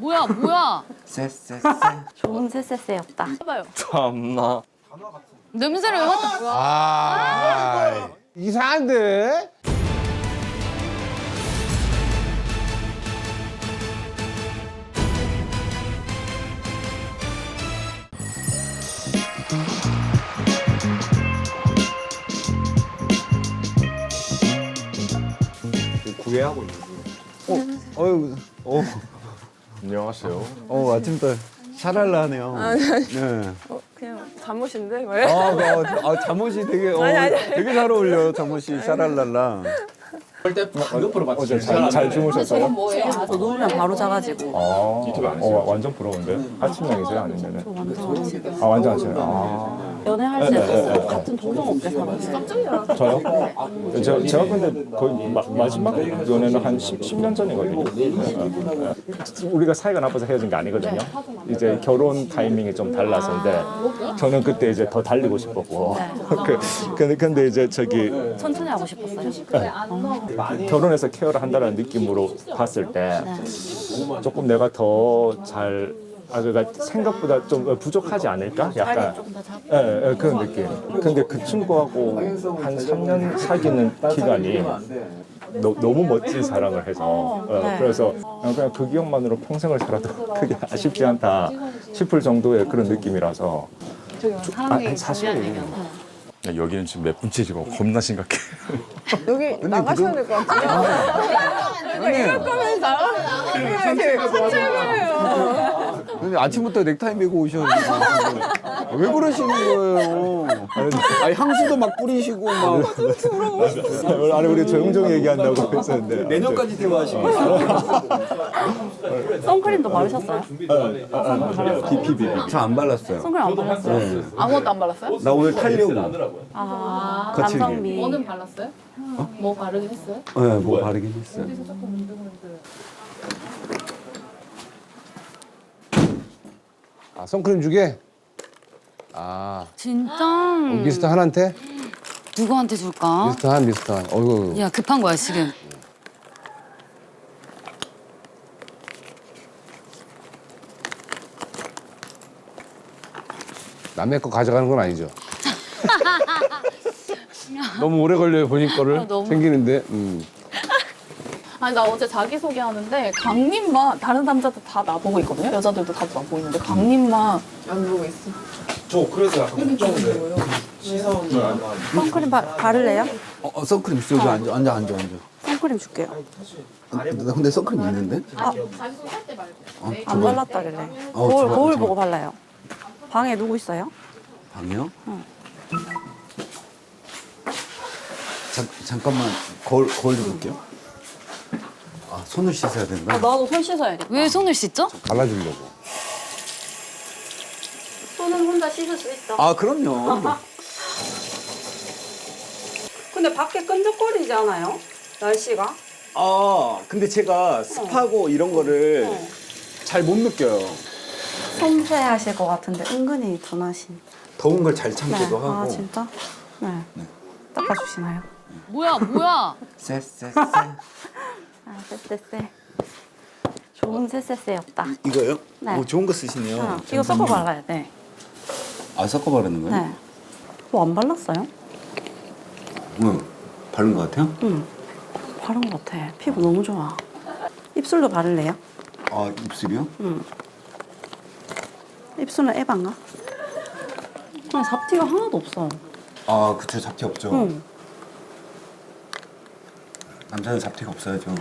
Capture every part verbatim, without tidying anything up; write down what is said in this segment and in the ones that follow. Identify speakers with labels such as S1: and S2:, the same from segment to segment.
S1: 뭐야 뭐야?
S2: 쎄쎄쎄.
S3: 좋은 쎄쎄쎄였다.
S1: 해봐요.
S2: 참나.
S1: 냄새를 왜 맡아?
S4: 아, 이상한데?
S5: 구애하고 있는 중. 어, 어유, 어,
S2: 안녕하세요.
S5: 어 아침부터 샤랄라하네요.
S6: 아니, 아니.
S5: 네.
S6: 어, 그냥 잠옷인데? 왜?
S5: 아, 아, 아, 잠옷이 되게, 어,
S6: 아니, 아니, 아니.
S5: 되게 잘 어울려. 잠옷이 샤랄랄라.
S7: 어제 잘, 잘 주무셨어요?
S3: 저 누우면 바로 자가지고.
S7: 아, 유튜브 안 어, 완전 부러운데? 아침형이세요? 아니면은?
S3: 완전 아침.
S7: 아, 완전 아침. 아,
S3: 연애할 때도 같은 동성업계 살았어요.
S7: 저요? 저, 제가 근데 거의 마, 마지막 연애는 한 십 년 전이거든요. 우리가 사이가 나빠서 헤어진 게 아니거든요. 이제 결혼 타이밍이 좀 달라서인데 저는 그때 이제 더 달리고 싶었고. 그, 근데, 근데 이제 저기
S3: 천천히 하고 싶었어요.
S7: 결혼해서 케어를 한다는 느낌으로 봤을 때 조금 내가 더 잘 아, 그러니까 생각보다 좀 부족하지 않을까? 약간 예, 예, 그런 느낌. 근데 그 친구하고 한 삼 년 사귀는 기간이 너, 너무 멋진 사랑을 해서 어,
S3: 네.
S7: 그래서 그냥 그 기억만으로 평생을 살아도 그게 아쉽지 않다 싶을 정도의 그런 느낌이라서 아, 사실
S2: 야, 여기는 지금 몇 분째 지금 겁나 심각해.
S6: 여기 나가셔야 될 것 같아요. 이거 이럴 거면 나가. 이렇게 사채거예요.
S5: 근데 아침부터 넥타이 메고 오셨는데. 왜 그러시는 거예요? 아니, 향수도 막 뿌리시고, 막.
S7: 아니 우리 조용조용 얘기한다고 했었는데
S5: 내년까지 대화하시고.
S3: 선크림도 바르셨어요?
S7: 비비비
S5: 저 안 발랐어요.
S3: 선크림 안 바르셨어요?
S1: 아무것도 안 발랐어요?
S5: 나 오늘 타려고.
S3: 아,
S5: 거칠게.
S3: 남성미.
S1: 뭐는 발랐어요? 뭐 바르긴 했어요?
S5: 네, 뭐 바르긴 했어요.
S4: 아, 선크림 주게? 아,
S1: 진짜?
S4: 미스터 한한테?
S1: 누구한테 줄까?
S4: 미스터 한, 미스터 한. 어이구.
S1: 야 급한 거야 지금.
S4: 남의 거 가져가는 건 아니죠? 너무 오래 걸려요, 본인 거를.
S1: 아, 너무.
S4: 챙기는데. 음.
S8: 아니 나 어제 자기소개 하는데 강님만 다른 남자들 다 나보고 있거든요. 여자들도 다 나보고 있는데 강님만 안 보고 있어.
S5: 저 그래서 약간 걱정돼. 시선을 아마.
S3: 선크림 바, 바를래요?
S5: 어, 어, 선크림 있어. 여기 앉아, 앉아, 앉아, 앉아.
S3: 선크림 줄게요.
S5: 나 근데 선크림 있는데?
S8: 자기소개 할 때 말고.
S5: 어,
S3: 안 발랐다길래.
S5: 어,
S3: 거울,
S5: 좋아,
S3: 거울
S5: 좋아.
S3: 보고 발라요. 방에 누구 있어요?
S5: 방이요? 잠, 잠깐만 거울, 거울 좀 볼게요. 아, 손을 씻어야 된다.
S3: 나도 손 씻어야겠다.
S1: 왜 손을 씻죠?
S4: 갈라주려고.
S3: 손은 혼자 씻을 수 있어.
S5: 아, 그럼요.
S3: 근데 밖에 끈적거리지 않아요? 날씨가?
S5: 아, 근데 제가 습하고 이런 거를
S3: 어.
S5: 잘 못 느껴요.
S3: 섬세하실 것 같은데 은근히 둔하신.
S5: 더운 걸 잘
S3: 네.
S5: 참기도 하고.
S3: 아 진짜? 네. 닦아주시나요?
S1: 뭐야 뭐야?
S2: 쎄쎄쎄.
S3: 아 쎄쎄쎄. 좋은 쎄쎄쎄였다.
S5: 이거요?
S3: 네.
S5: 오, 좋은 거 쓰시네요.
S3: 어, 이거 섞어 발라야 돼.
S5: 아, 섞어 바르는 거예요?
S3: 네. 뭐 안 발랐어요?
S5: 응. 바른 거 같아요?
S3: 응. 바른 것 같아. 피부 너무 좋아. 입술도 바를래요?
S5: 아, 입술이요?
S3: 응. 입술은 에반가? 그냥 잡티가 하나도 없어.
S5: 아, 그쵸. 잡티 없죠.
S3: 응.
S5: 남자는 잡티가 없어야죠.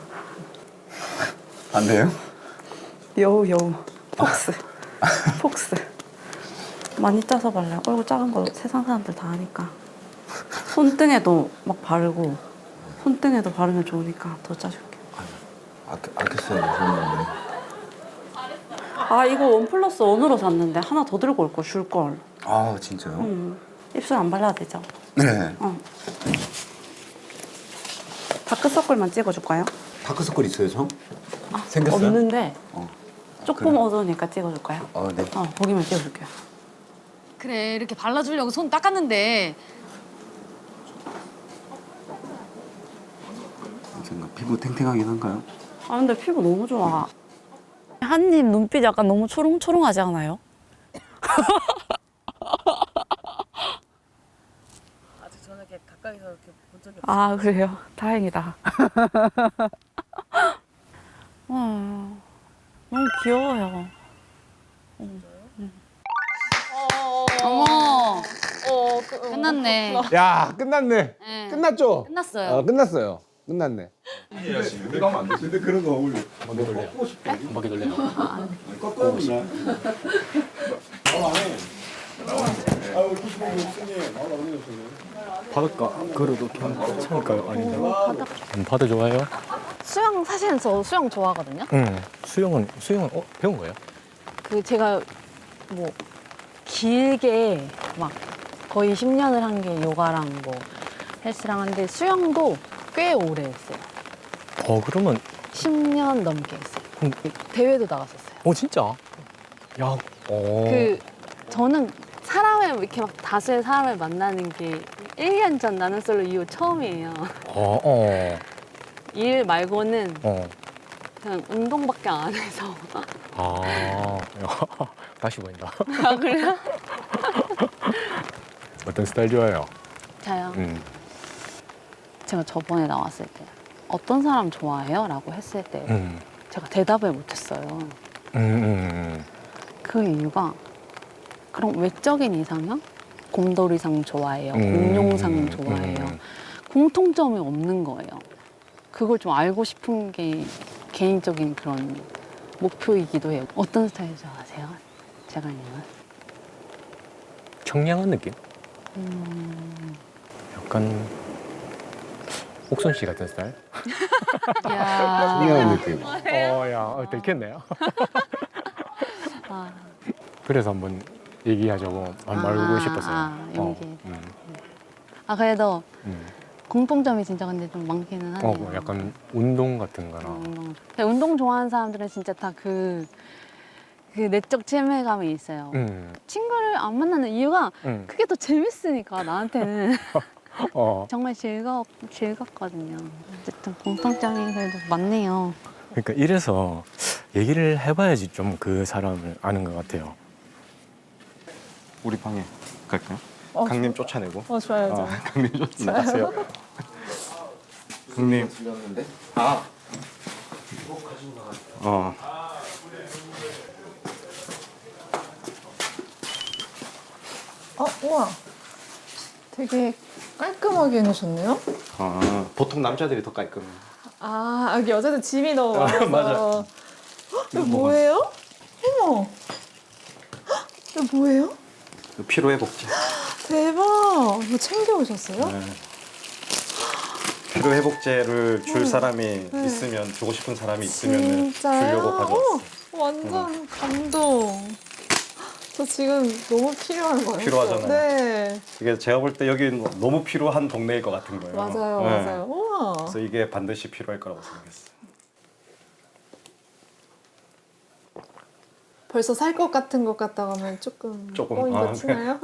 S5: 안 돼요?
S3: 여우 여우. 폭스. 폭스. 많이 짜서 발라요. 얼굴 작은 거 세상 사람들 다 아니까. 손등에도 막 바르고 손등에도 바르면 좋으니까 더 짜줄게.
S5: 아껴, 아꼈어요. 그런데.
S3: 아 이거 원 플러스 원으로 샀는데 하나 더 들고 올 걸 줄 걸.
S5: 아, 진짜요?
S3: 음. 입술 안 발라도 되죠?
S5: 네.
S3: 어. 다크서클만 찍어줄까요?
S5: 다크서클 있어요, 저?
S3: 아,
S5: 생겼어요?
S3: 없는데
S5: 어.
S3: 조금
S5: 그래?
S3: 어두우니까 찍어줄까요?
S5: 어, 네.
S3: 어 보기만 찍어줄게요.
S1: 그래 이렇게 발라주려고 손 닦았는데
S5: 생각 피부 탱탱하긴 한가요?
S3: 아 근데 피부 너무 좋아. 한님 눈빛 약간 너무 초롱초롱하지 않아요?
S6: 아직 저는 이렇게 가까이서 이렇게 본 적이 없어요.
S3: 아 그래요? 다행이다. 어, 너무 귀여워요.
S1: 어머,
S6: 어, 그, 어.
S1: 끝났네.
S4: 야 끝났네.
S1: 네.
S4: 끝났죠?
S1: 끝났어요.
S4: 아, 끝났어요. 끝났네.
S5: 근데 그런 거 어울려.
S2: 바닷가 그래도 괜찮을까요? 아닌가? 음, 바다 좋아해요?
S8: 수영 사실은 저 수영 좋아하거든요.
S2: 응. 수영은 수영은 어, 배운 거예요?
S8: 그 제가 뭐 길게 막 거의 십 년을 한 게 요가랑 뭐 헬스랑 한데 수영도 꽤 오래 했어요.
S2: 어 그러면
S8: 십 년 넘게 했어요.
S2: 그럼
S8: 대회도 나갔었어요.
S2: 어 진짜? 야, 어.
S8: 그 저는 사람을 이렇게 막 다수의 사람을 만나는 게 일 년 전 나는 솔로 이후 처음이에요.
S2: 어, 어,
S8: 일 말고는
S2: 어.
S8: 그냥 운동밖에 안 해서.
S2: 아, 다시 보인다.
S8: 아, 그래요?
S2: 어떤 스타일 좋아해요?
S8: 저요.
S2: 음.
S8: 제가 저번에 나왔을 때 어떤 사람 좋아해요? 라고 했을 때
S2: 음.
S8: 제가 대답을 못했어요.
S2: 음, 음,
S8: 그 이유가 그런 외적인 이상형? 곰돌이상 좋아해요.
S2: 음.
S8: 공룡상 좋아해요.
S2: 음.
S8: 공통점이 없는 거예요. 그걸 좀 알고 싶은 게 개인적인 그런 목표이기도 해요. 어떤 스타일 좋아하세요? 재관님은?
S2: 청량한 느낌?
S8: 음...
S2: 약간 옥선 씨 같은 스타일?
S8: 야.
S4: 중요한 느낌.
S2: 어, 야, 어, 들켰네요.
S8: 아,
S2: 그래서 한번 얘기하자고 안 말고
S8: 아,
S2: 싶었어요.
S8: 아, 용기.
S2: 어, 음,
S8: 아 그래도
S2: 음.
S8: 공통점이 진짜 근데 좀 많기는 하네요.
S2: 어, 뭐 약간 운동 같은 거나.
S8: 어, 운동. 근데 운동 좋아하는 사람들은 진짜 다 그 그 내적 친밀감이 있어요.
S2: 음,
S8: 친구를 안 만나는 이유가
S2: 음.
S8: 그게 더 재밌으니까 나한테는
S2: 어.
S8: 정말 즐거 즐겁거든요. 어쨌든 공통점이 그래도 많네요.
S2: 그러니까 이래서 얘기를 해봐야지 좀 그 사람을 아는 것 같아요.
S9: 우리 방에 갈까요?
S6: 어,
S9: 강님 쫓아내고.
S6: 어, 좋아요,
S9: 어,
S6: 좋아요.
S9: 강님 쫓아 나가세요. 강님. 아. 어.
S6: 어, 우와. 되게 깔끔하게 해놓으셨네요.
S9: 아, 보통 남자들이 더 깔끔해.
S6: 아, 여기 여자들 짐이 너무 많아서.
S9: 맞아.
S6: 헉, 이거 뭐예요? 어머. 헉, 이거 뭐예요?
S9: 피로 회복제.
S6: 대박. 이거 챙겨오셨어요?
S9: 네. 피로 회복제를 줄 사람이 있으면 주고 싶은 사람이 있으면
S6: 진짜요?
S9: 주려고 가져왔어.
S6: 어, 완전 감동. 저 지금 너무 필요한 거예요.
S9: 필요하잖아요.
S6: 네.
S9: 이게 제가 볼 때 여기 너무 필요한 동네일 것 같은 거예요.
S6: 맞아요,
S9: 네.
S6: 맞아요. 우와.
S9: 그래서 이게 반드시 필요할 거라고 생각했어요.
S6: 벌써 살 것 같은 것 같다고 하면 조금
S9: 조금,
S6: 어, 이거
S9: 아, 네.
S6: 치나요?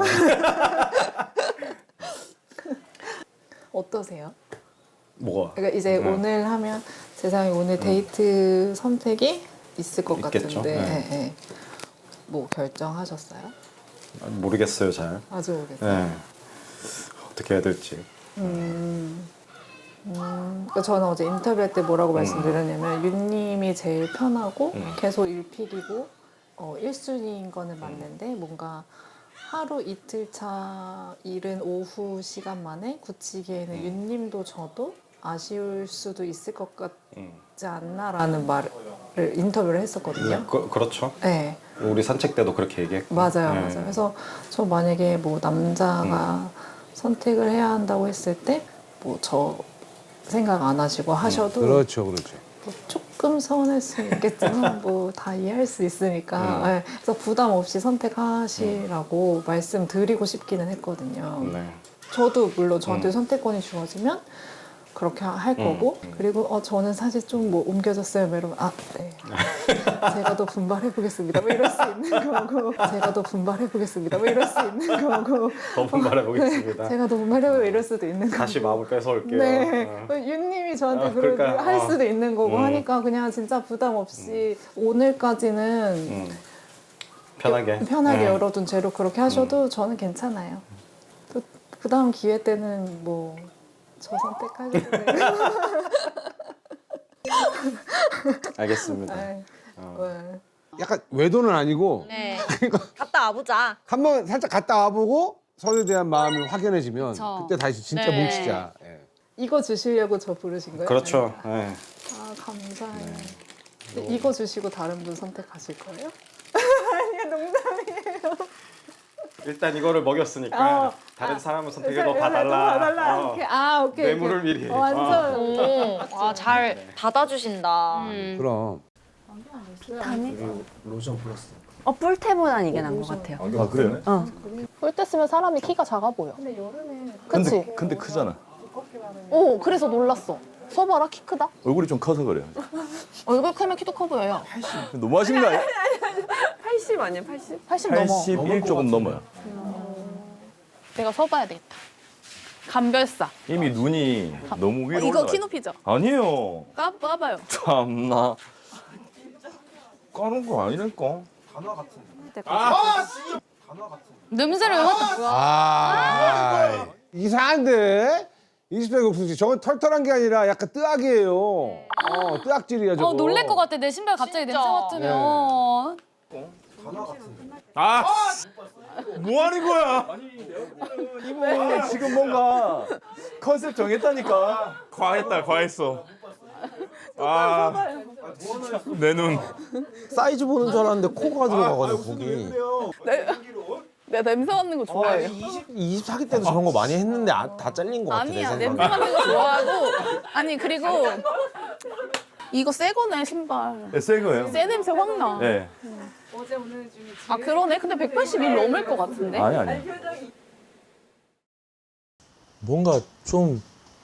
S6: 어떠세요?
S9: 뭐가?
S6: 그러니까 이제
S9: 네.
S6: 오늘 하면 세상에 오늘 데이트 선택이 있을 것
S9: 있겠죠.
S6: 같은데
S9: 네.
S6: 예, 예. 뭐 결정하셨어요?
S9: 모르겠어요, 잘.
S6: 아직 모르겠어요.
S9: 네. 어떻게 해야 될지.
S6: 음, 음, 그러니까 저는 어제 인터뷰할 때 뭐라고 말씀드렸냐면 윤님이 제일 편하고
S9: 음.
S6: 계속 일픽이고 어, 일 순위인 거는 맞는데 뭔가 하루 이틀 차 이른 오후 시간 만에 굳히기에는
S9: 음.
S6: 윤님도 저도 아쉬울 수도 있을 것 같지
S9: 음.
S6: 않나라는 말을 인터뷰를 했었거든요.
S9: 그, 그렇죠.
S6: 네,
S9: 우리 산책 때도 그렇게 얘기했고.
S6: 맞아요,
S9: 네.
S6: 맞아요. 그래서 저 만약에 뭐 남자가 선택을 해야 한다고 했을 때 뭐 저 생각 안 하시고 하셔도
S4: 그렇죠, 그렇죠.
S6: 뭐 조금 서운할 수 있겠지만 뭐 다 이해할 수 있으니까
S9: 음.
S6: 네, 그래서 부담 없이 선택하시라고 말씀드리고 싶기는 했거든요.
S9: 네.
S6: 저도 물론 저한테
S9: 음.
S6: 선택권이 주어지면 그렇게 할
S2: 음.
S6: 거고 그리고 어 저는 사실 좀 뭐 옮겨졌어요 뭐 이러면 아 네 제가 더 분발해 보겠습니다 뭐 이럴 수 있는 거고 제가 더 분발해 보겠습니다 뭐 이럴 수 있는 거고
S9: 더 분발해 보겠습니다.
S6: 네, 제가 더 분발해 보고 이럴 수도 있는 거고
S9: 다시 마음을 뺏어올게요.
S6: 네
S9: 어.
S6: 윤님이 저한테
S9: 어,
S6: 그런
S9: 그러니까,
S6: 할
S9: 어.
S6: 수도 있는 거고
S9: 음.
S6: 하니까 그냥 진짜 부담 없이 오늘까지는
S9: 음. 편하게.
S6: 편하게
S9: 네.
S6: 열어둔 채로 그렇게 하셔도 저는 괜찮아요. 또 그 다음 기회 때는 뭐 저 선택할 텐데.
S9: 알겠습니다.
S6: 네. 네.
S4: 약간 외도는 아니고
S8: 네. 갔다 와보자.
S4: 한번 살짝 갔다 와보고 서로에 대한 마음이 확연해지면
S1: 그쵸.
S4: 그때 다시 진짜
S8: 네.
S4: 뭉치자. 예.
S6: 이거 주시려고 저 부르신 거예요?
S9: 그렇죠. 네.
S6: 아 감사해요. 근데 이거 주시고 다른 분 선택하실 거예요?
S9: 일단 이거를 먹였으니까
S6: 어.
S9: 다른
S6: 아,
S9: 사람을 선택해
S6: 네,
S9: 너 봐달라.
S6: 봐달라.
S9: 어.
S6: 오케이. 아 오케이.
S9: 뇌물을
S6: 오케이.
S9: 미리.
S6: 어, 완전.
S8: 오, 아, 잘 닫아주신다.
S4: 그럼
S8: 어, 뿔테보단 이게 나은 것 같아요.
S7: 아 그래요?
S8: 어.
S6: 볼 때 쓰면 사람이 키가 작아 보여. 그치?
S10: 근데, 근데 크잖아.
S6: 오 그래서 놀랐어. 서봐라 키 크다.
S10: 얼굴이 좀 커서 그래.
S6: 얼굴 크면 키도 커 보여요.
S10: 너무 하신 거 아니야?
S8: 팔십 아니에요, 팔십?
S6: 팔십 넘어.
S10: 팔십일 조금 넘어요.
S6: 내가 서봐야 되겠다. 감별사.
S10: 이미 눈이 너무 위로
S6: 어, 이거
S10: 올라가.
S6: 키높이죠?
S10: 아니에요.
S6: 까, 까봐요.
S10: 참나. 까는 거 아니랄까?
S1: 냄새를 왜 맡아?
S4: 아 이상한데 이십 대 옥수수 저건 털털한 게 아니라 약간 뜨악이에요. 어 뜨악질이야 저거.
S1: 어 놀랄 것 같아. 내 신발 갑자기 냄새 맡으면.
S10: 아! 뭐 하는 거야? 이분 지금 뭔가 컨셉 정했다니까. 과했다, 과했어. 아, 내 눈.
S5: 사이즈 보는 줄 알았는데 코가 들어가가지고 거기.
S6: 내가 냄새 맡는 거 좋아해요.
S5: 이십사 기 때도 저런 거 많이 했는데 아, 다 잘린 것 같아.
S6: 아니야
S5: 내
S6: 냄새
S5: 생각에.
S6: 맡는 거 좋아하고 아니 그리고 이거 새 거네 신발.
S10: 네, 새 거예요.
S6: 새 냄새 확 나.
S10: 네.
S6: 아 그러네. 근데 백팔십일 넘을 것 같은데.
S10: 아니, 아니.
S11: 뭔가 좀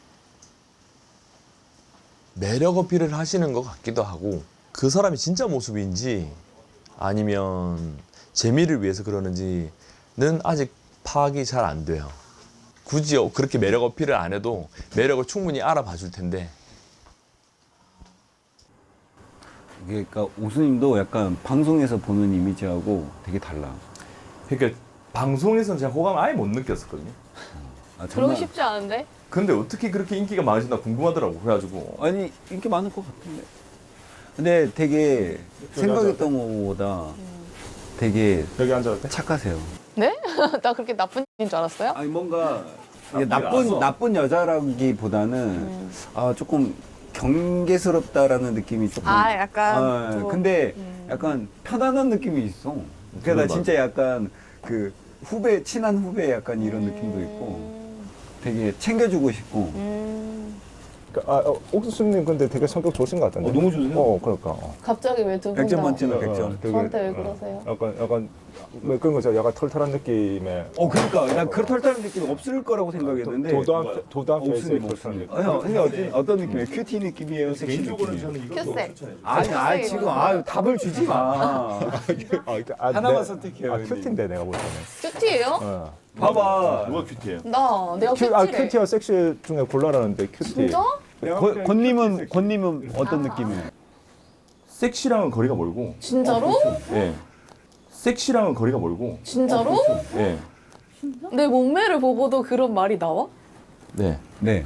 S11: 매력 어필을 하시는 것 같기도 하고 그 사람이 진짜 모습인지 아니면 재미를 위해서 그러는지는 아직 파악이 잘 안 돼요. 굳이 그렇게 매력 어필을 안 해도 매력을 충분히 알아봐 줄 텐데
S5: 이게 그러니까 오수님도 약간 방송에서 보는 이미지하고 되게 달라.
S10: 그러니까 방송에서는 제가 호감 아예 못 느꼈었거든요.
S5: 아,
S6: 그러기 쉽지 않은데.
S10: 근데 어떻게 그렇게 인기가 많으신다 궁금하더라고. 그래가지고.
S5: 아니 인기 많을 것 같은데. 근데 되게 생각했던 것보다 되게
S10: 여기 앉아도 돼?
S5: 착하세요.
S6: 네? 나 그렇게 나쁜 인줄 알았어요?
S5: 아니 뭔가 이게
S10: 나쁘지
S5: 나쁜
S10: 않았어.
S5: 나쁜 여자라기보다는 아 조금 경계스럽다라는 느낌이 조금.
S6: 아 약간.
S5: 아,
S6: 좀-
S5: 근데
S6: 음.
S5: 약간 편안한 느낌이 있어. 그러니까 나 진짜 약간 그 후배 친한 후배 약간 이런 느낌도 있고 되게 챙겨주고 싶고.
S7: 아, 어, 옥수수님 근데 되게 성격 좋으신 것 같던데.
S5: 어, 너무 좋으세요?
S7: 어, 그러니까. 어.
S6: 갑자기 왜 두 분
S5: 백 점
S6: 다
S5: 만점에 백 점.
S7: 되게,
S6: 저한테 왜
S7: 어,
S6: 그러세요?
S7: 약간 약간 뭐 그런 거죠. 약간 털털한 느낌의.
S5: 어 그러니까 난 그렇다는 느낌이 없을 거라고 생각했는데.
S7: 도도한 도도한 페이스의
S5: 없으면
S7: 털털한 느낌.
S5: 아, 형, 형이 어떤, 어떤 느낌이에요? 큐티 느낌이에요? 섹시 느낌이에요?
S6: 큐세.
S5: 아니, 아니 지금 아 답을 주지 마.
S7: 아, 아,
S5: 하나만
S7: 내-
S5: 선택해요,
S7: 아,
S5: 형님.
S7: 큐티인데 내가 볼 때는.
S6: 큐티예요?
S7: 어.
S5: 봐봐.
S10: 누가 큐티예요?
S6: 나 내가
S7: 큐, 아,
S6: 큐티래.
S7: 큐티와 섹시 중에 골라라는데 큐티.
S6: 진짜?
S5: 권- 권님은 권님은 어떤 느낌이에요?
S10: 섹시랑은 거리가 멀고.
S6: 진짜로?
S10: 예. 섹시랑은 거리가 멀고.
S6: 진짜로?
S10: 예.
S6: 내 몸매를 보고도 그런 말이 나와?
S10: 네.
S5: 네.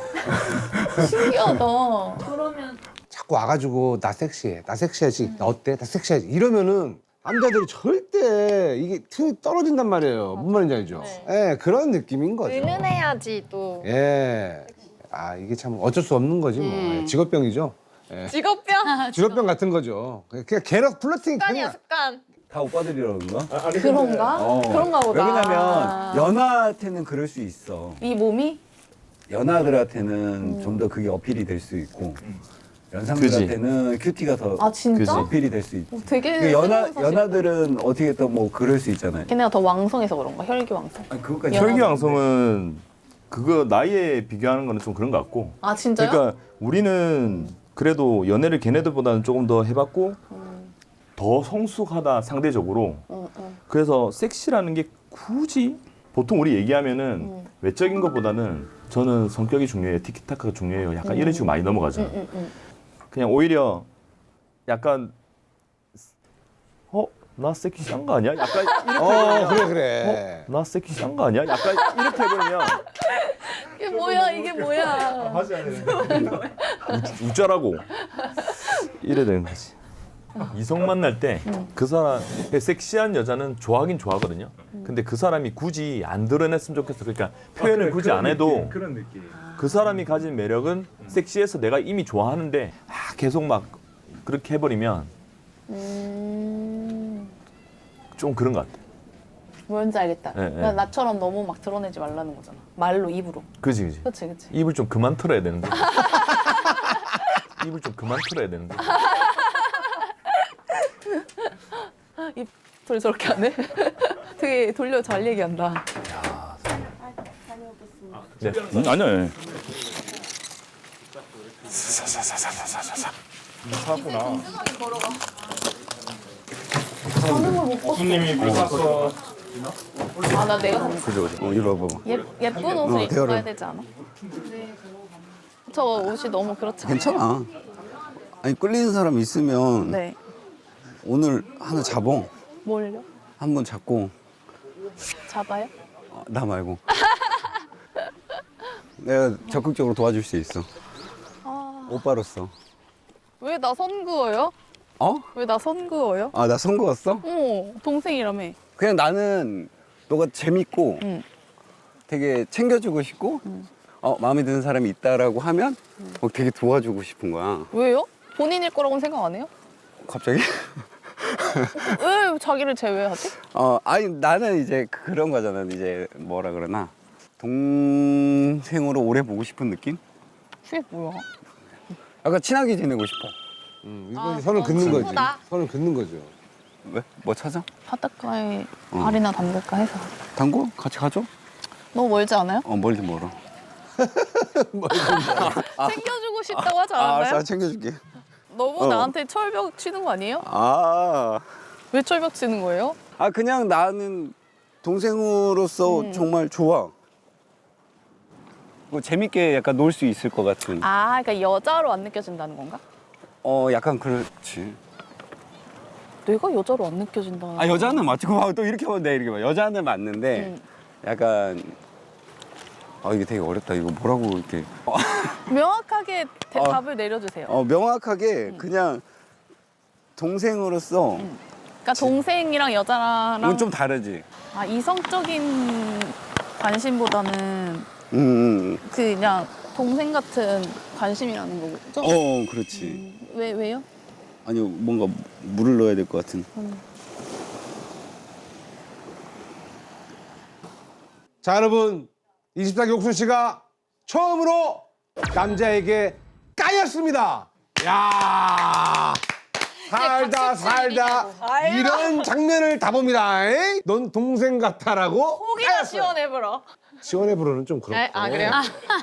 S6: 신기하다.
S4: 자꾸 와가지고 나 섹시해, 나 섹시하지, 나 어때, 나 섹시하지 이러면은 남자들이 절대 이게 틈이 떨어진단 말이에요. 뭔 말인지 알죠? 예, 그런 느낌인 거죠.
S8: 은은해야지 또.
S4: 예. 아 이게 참 어쩔 수 없는 거지 뭐. 예, 직업병이죠. 예.
S8: 직업병?
S4: 직업병 같은 거죠. 그냥 계속 플러팅.
S8: 습관이야, 습관.
S5: 다 오빠들이라 그런가?
S6: 그런가?
S5: 어.
S6: 그런가 보다.
S5: 왜냐면 연하한테는 그럴 수 있어.
S6: 이 몸이?
S5: 연하들한테는 좀 더 그게 어필이 될 수 있고 연상들한테는 큐티가 더
S6: 아 진짜?
S5: 어필이 될 수 있지.
S6: 되게
S5: 그 연하
S6: 사실-
S5: 연하들은 어떻게 또 뭐 그럴 수 있잖아요.
S6: 걔네가 더 왕성해서 그런가? 혈기 왕성.
S5: 아니, 그것까지
S10: 혈기왕성은 그거 나이에 비교하는 거는 좀 그런 것 같고.
S8: 아 진짜요?
S10: 그러니까 우리는 그래도 연애를 걔네들보다는 조금 더 해봤고
S8: 음.
S10: 더 성숙하다 상대적으로.
S8: 음, 음.
S10: 그래서 섹시라는 게 굳이 보통 우리 얘기하면은
S8: 음.
S10: 외적인 것보다는 저는 성격이 중요해요. 티키타카가 중요해요. 약간
S8: 음.
S10: 이런 식으로 많이 넘어가죠.
S8: 음, 음, 음.
S10: 그냥 오히려 약간 어? 나 섹시한 거 아니야? 약간 이렇게
S4: 어,
S10: 해버리면
S4: 그래, 그래.
S10: 어? 나 섹시한 거 아니야? 약간 이렇게 해버리면
S8: 이게 뭐야 이게 뭐야.
S10: 웃자라고 이래 되는 거지. 이성 만날 때 그 사람 섹시한 여자는 좋아하긴 좋아하거든요. 근데 그 사람이 굳이 안 드러냈으면 좋겠어. 그러니까 표현을
S7: 그래,
S10: 굳이
S7: 그런
S10: 안 해도
S7: 느낌, 그런 느낌.
S10: 그 사람이 가진 매력은 섹시해서 내가 이미 좋아하는데 아, 계속 막 그렇게 해버리면
S8: 음...
S10: 좀 그런 것 같아.
S8: 뭔지 알겠다.
S10: 네,
S8: 그러니까
S10: 네.
S8: 나처럼 너무 막 드러내지 말라는 거잖아. 말로 입으로.
S10: 그지 그지.
S8: 그렇지 그렇지.
S10: 입을 좀 그만 털어야 되는 거. 입을 좀 그만 털어야 되는 거.
S8: 입을 저렇게 하네. 되게 돌려 잘 얘기한다.
S10: 네.
S9: 음, 아니야.
S7: 사구나.
S10: 손님이 삐졌어.
S8: 아 나 내가
S5: 그죠 그죠. 어, 이리 와봐.
S8: 예, 예쁜 옷을
S5: 어,
S8: 입고
S5: 대화를.
S8: 가야 되지 않아? 저 옷이 너무 그렇지 않아요?
S5: 괜찮아. 아니 끌리는 사람 있으면
S8: 네.
S5: 오늘 하나 잡어.
S8: 뭘요?
S5: 한 번 잡고
S8: 잡아요?
S5: 어, 나 말고. 내가 적극적으로 도와줄 수 있어.
S8: 아...
S5: 오빠로서.
S8: 왜 나 선 그어요?
S5: 어?
S8: 왜 나 선 그어요?
S5: 아, 나 선거였어?
S8: 어 동생이라며.
S5: 그냥 나는 너가 재밌고
S8: 응.
S5: 되게 챙겨주고 싶고 어, 마음에 드는 사람이 있다라고 하면 어, 되게 도와주고 싶은 거야.
S8: 왜요? 본인일 거라고는 생각 안 해요?
S5: 갑자기?
S8: 왜 자기를 제외하지?
S5: 어, 아니 나는 이제 그런 거잖아. 이제 뭐라 그러나 동생으로 오래 보고 싶은 느낌?
S8: 그게 뭐야?
S5: 약간 친하게 지내고 싶어.
S4: 음, 이거
S8: 아,
S4: 선을
S8: 어,
S4: 긋는 거지.
S8: 친구다.
S4: 선을 긋는 거죠.
S5: 왜? 뭐 찾아?
S8: 바닷가에
S5: 어.
S8: 발이나 담글까 해서.
S5: 당구? 같이 가죠?
S8: 너무 멀지 않아요?
S5: 어, 멀리 멀어.
S8: 챙겨주고 싶다고 하지
S5: 아,
S8: 않았나요?
S5: 알았어, 챙겨줄게.
S8: 너무
S5: 어.
S8: 나한테 철벽 치는 거 아니에요?
S5: 아,
S8: 왜 철벽 치는 거예요?
S5: 아 그냥 나는 동생으로서
S8: 음.
S5: 정말 좋아. 뭐 재밌게 약간 놀 수 있을 것 같은.
S8: 아, 그러니까 여자로 안 느껴진다는 건가?
S5: 어, 약간 그렇지.
S8: 내가 여자로 안 느껴진다.
S5: 아 여자는 맞지. 와, 또 이렇게 하면 돼. 이렇게 봐. 여자는 맞는데
S8: 음.
S5: 약간 아 이게 되게 어렵다. 이거 뭐라고 이렇게
S8: 명확하게 대,
S5: 어.
S8: 답을 내려주세요.
S5: 어 명확하게
S8: 음.
S5: 그냥 동생으로서
S8: 그러니까 동생이랑 여자랑
S5: 이건 좀 다르지.
S8: 아, 이성적인 관심보다는
S5: 음, 음.
S8: 그 그냥 동생 같은 관심이라는 거죠?
S5: 어, 그렇지.
S8: 음, 왜 왜요?
S5: 아니 뭔가 물을 넣어야 될 것 같은.
S8: 음.
S4: 자, 여러분. 이십사 기 옥순 씨가 처음으로 남자에게 까였습니다. 야 살다 살다 이런 장면을 다 봅니다. 에이? 넌 동생 같아라고
S8: 호기가
S4: 까였어요.
S8: 시원해버려.
S4: 시원해 부르는 좀 그렇고.
S8: 아, 아, 그래요?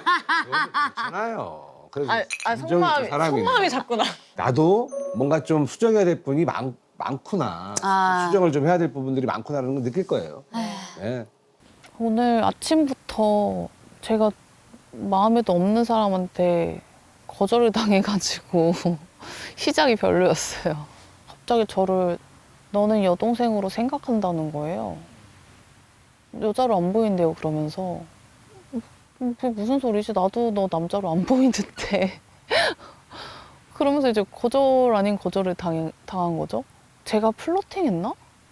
S4: 괜찮아요. 그래서
S8: 아, 아
S4: 인정이
S8: 속마음이
S4: 또 사람이네.
S8: 속마음이 작구나.
S4: 나도 뭔가 좀 수정해야 될 분이 많, 많구나.
S8: 아.
S4: 수정을 좀 해야 될 부분들이 많구나라는 걸 느낄 거예요. 네.
S8: 오늘 아침부터 제가 마음에도 없는 사람한테 거절을 당해가지고 시작이 별로였어요. 갑자기 저를 너는 여동생으로 생각한다는 거예요. 여자로 안 보인대요, 그러면서. 그게 무슨 소리지? 나도 너 남자로 안 보이는데. 그러면서 이제 거절 아닌 거절을 당, 당한 거죠. 제가 플러팅했나?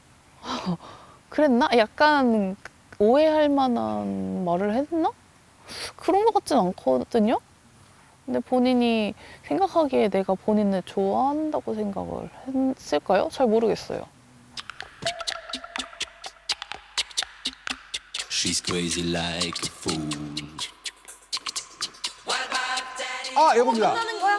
S8: 그랬나? 약간 오해할 만한 말을 했나? 그런 것 같진 않거든요? 근데 본인이 생각하기에 내가 본인을 좋아한다고 생각을 했을까요? 잘 모르겠어요.
S12: She's crazy like a fool.
S4: 아, 여보입니다.
S8: 끝나는 거야?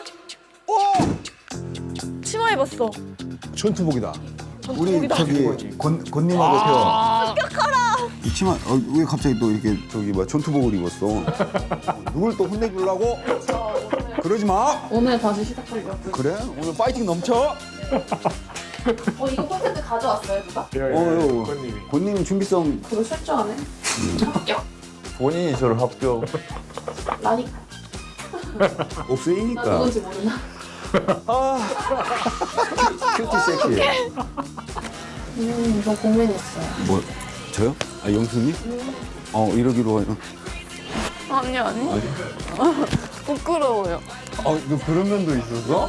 S4: 오!
S8: 치마 입었어.
S4: 전투복이다.
S5: 우리 저기 곤 곤님하고
S8: 아, 습격하라!
S5: 이 치마 어, 왜 갑자기 또 이렇게 저기 뭐 전투복을 입었어? 누굴 또 혼내주려고? 그러지 마.
S8: 오늘 다시 시작하려고.
S5: 그래? 오늘 파이팅 넘쳐.
S8: 어 이거 콘텐츠 가져왔어요 누가?
S5: 어, 본님 준비성.
S8: 그거 실조하네. 합격.
S10: 본인이 저를 합격.
S8: 나니까.
S5: 없으니까.
S8: 나 누군지 모르나?
S5: 아. 큐티 섹시.
S8: 음, 저 고민했어요.
S5: 뭐 저요? 아 영수님? 어 이러기로 해요.
S8: 아니 아니. 부끄러워요.
S5: 어, 너 그런 면도 있었어?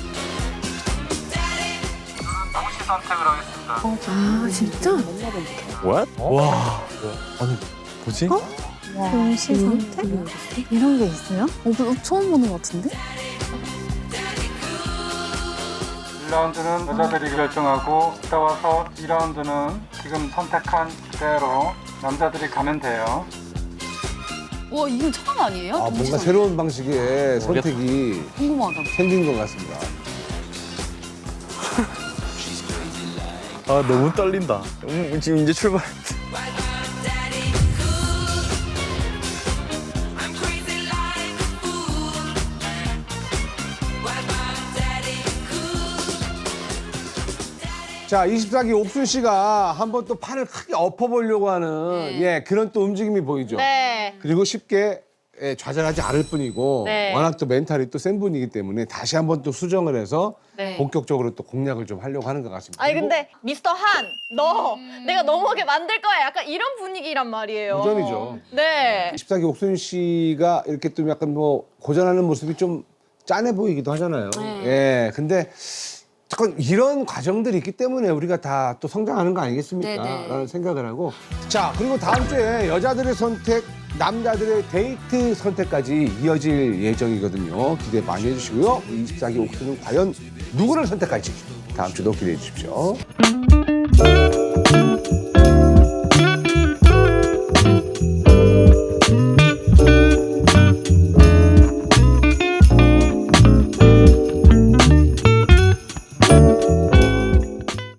S6: 아 진짜?
S10: What? 와. 아니 뭐지?
S1: 동시 선택? 이런 게 있어요? 어, 그- 처음 보는 것 같은데?
S13: 일 라운드는 여자들이 결정하고 따라와서 이 라운드는 지금 선택한 그대로 남자들이 가면 돼요.
S1: 와, 이건 처음 아니에요?
S4: 아,
S1: 동시
S4: 뭔가
S1: 선택?
S4: 새로운 방식의 선택이
S1: 궁금하다.
S4: 생긴 것 같습니다.
S10: 아 너무 떨린다. 음, 지금 이제 출발.
S4: 자, 이십사 기 옥순 씨가 한번 또 판을 크게 엎어보려고 하는 예 그런 또 움직임이 보이죠.
S8: 네.
S4: 그리고 쉽게 예, 좌절하지 않을 뿐이고
S8: 네.
S4: 워낙 또 멘탈이 또 센 분이기 때문에 다시 한번 또 수정을 해서
S8: 네.
S4: 본격적으로 또 공략을 좀 하려고 하는 것 같습니다.
S14: 아니 근데 미스터 한, 너 내가 넘어오게 만들 거야. 약간 이런 분위기란 말이에요.
S4: 도전이죠.
S14: 네.
S4: 이십사 기 옥순 씨가 이렇게 또 약간 뭐 고전하는 모습이 좀 짠해 보이기도 하잖아요. 예, 근데 잠깐 이런 과정들이 있기 때문에 우리가 다 또 성장하는 거 아니겠습니까?
S1: 네네.
S4: 라는 생각을 하고 자 그리고 다음 주에 여자들의 선택, 남자들의 데이트 선택까지 이어질 예정이거든요. 기대 많이 해주시고요. 이십사 기 옥순은 과연 누구를 선택할지 다음 주도 기대해 주십시오.